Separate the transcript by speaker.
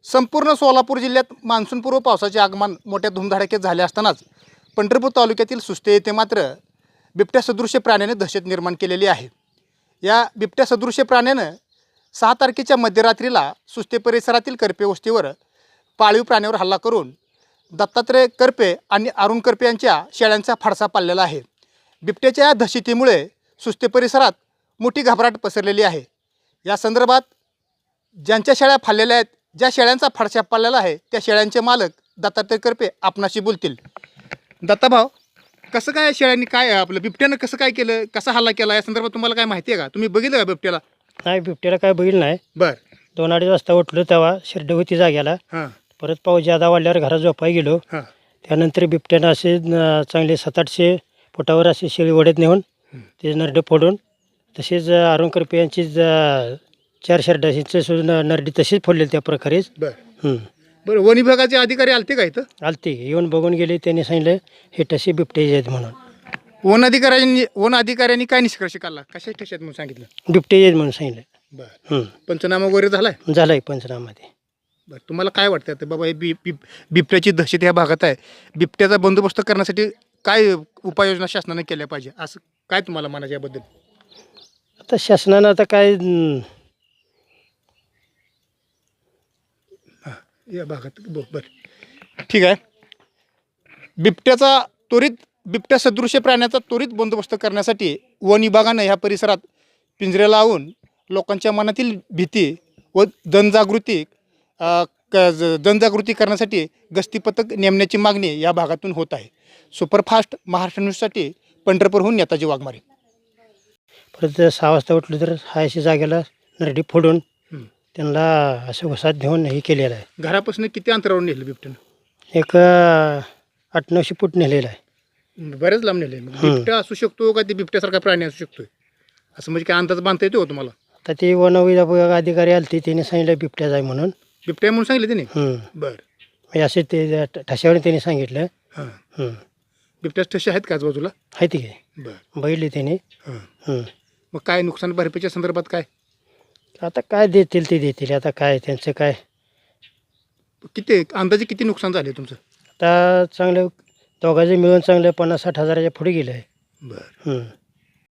Speaker 1: संपूर्ण सोलापूर जिल्ह्यात मान्सूनपूर्व पावसाचे आगमन मोठ्या धुमधडाक्यात झाले असतानाच पंढरपूर तालुक्यातील सुस्ते येथे मात्र बिबट्या सदृश्य प्राण्याने दहशत निर्माण केलेली आहे. या बिबट्या सदृश्य प्राण्यानं 6 तारखेच्या मध्यरात्रीला सुस्ते परिसरातील करपे वस्तीवर पाळीव प्राण्यावर हल्ला करून दत्तात्रय करपे आणि अरुण करपे यांच्या शेळ्यांचा फाडसा पाडलेला आहे. बिबट्याच्या या दहशतीमुळे सुस्ते परिसरात मोठी घबराट पसरलेली आहे. या संदर्भात ज्यांच्या शेळ्या फाडलेल्या आहेत, ज्या शेळ्यांचा फाडसा पाडलेला आहे, त्या शेळ्यांचे मालक दत्तात्रय करपे आपणाशी बोलतील. दत्ताभाऊ, कसं काय शेळ्यांनी काय आपलं बिबट्यानं कसं काय केलं, कसा हल्ला केला, या संदर्भात तुम्हाला काय माहिती आहे का? तुम्ही बघितलं का बिबट्याला?
Speaker 2: नाही, बिबट्याला काय बघितलं नाही.
Speaker 1: बर
Speaker 2: 2-2:30 वाजता उठलो तेव्हा शिरड होती जाग्याला.
Speaker 1: हां
Speaker 2: परत पाऊस ज्यादा वाढल्यावर घरात झोपाय गेलो.
Speaker 1: हां
Speaker 2: त्यानंतर बिबट्यानं असे चांगले 700-800 फुटावर असे शेळी वडत नेऊन ते नरडे फोडून, तसेच अरुण करपे यांची 4 शेरडाशीचे सुद्धा नरडी तशीच फोडलेली त्या प्रकारेच.
Speaker 1: बर बरं, वन विभागाचे अधिकारी आलते का इथं?
Speaker 2: आलते, येऊन बघून गेले. त्यांनी सांगितलं हे तसे बिबटे आहेत म्हणून.
Speaker 1: वन अधिकाऱ्यांनी काय निष्कर्ष काढला, कशा ठशात म्हणून सांगितलं?
Speaker 2: बिबटे आहेत म्हणून सांगितलं.
Speaker 1: बर पंचनामा वगैरे झालाय?
Speaker 2: झालंय पंचनामामध्ये.
Speaker 1: बरं, तुम्हाला काय वाटतं आता बाबा हे बिबट्याची दहशत ह्या भागात आहे, बिबट्याचा बंदोबस्त करण्यासाठी काय उपाययोजना शासनाने केल्या पाहिजे, असं काय तुम्हाला म्हणायचं याबद्दल?
Speaker 2: आता शासनानं आता काय
Speaker 1: या भागात बरं ठीक आहे. बिबट्या सदृश्य प्राण्याचा त्वरित बंदोबस्त करण्यासाठी वन विभागानं ह्या परिसरात पिंजरे लावून लोकांच्या मनातील भीती व जनजागृती करण्यासाठी गस्ती पथक नेमण्याची मागणी या भागातून होत आहे. सुपरफास्ट महाराष्ट्र न्यूजसाठी पंढरपूरहून नेताजी वाघमारे.
Speaker 2: परत 6 वाजता उठलो तर हायशी जागेला नरडी फोडून त्यांना असं घुसात घेऊन हे केलेलं आहे.
Speaker 1: घरापासून किती अंतरावर नेलं बिबट्यानं?
Speaker 2: एक 800-900 फूट नेलेलं आहे.
Speaker 1: बरेच लांब नेले. बिबट्या असू शकतो का, ते बिबट्यासारखा प्राणी असू शकतोय असं म्हणजे काय अंदाज बांधता येतो तुम्हाला?
Speaker 2: तर ते वन विभाग अधिकारी आले ते त्यांनी सांगितलं बिबट्या जाय म्हणून.
Speaker 1: बिबट्या म्हणून सांगितलं त्याने? बरं,
Speaker 2: म्हणजे असे ते ठशावर त्यांनी सांगितलं.
Speaker 1: हां बिबट्याच ठसे आहेत का आजूबाजूला?
Speaker 2: आहे ते काय
Speaker 1: बरं
Speaker 2: बघितले त्यांनी.
Speaker 1: मग काय नुकसान भरपाईच्या संदर्भात काय
Speaker 2: आता काय देतील ते देतील. आता काय त्यांचं काय,
Speaker 1: किती अंदाजे किती नुकसान झाले तुमचं?
Speaker 2: आता चांगलं दोघांचे मिळून चांगलं 50-60 हजाराच्या पुढे गेलं आहे.
Speaker 1: बरं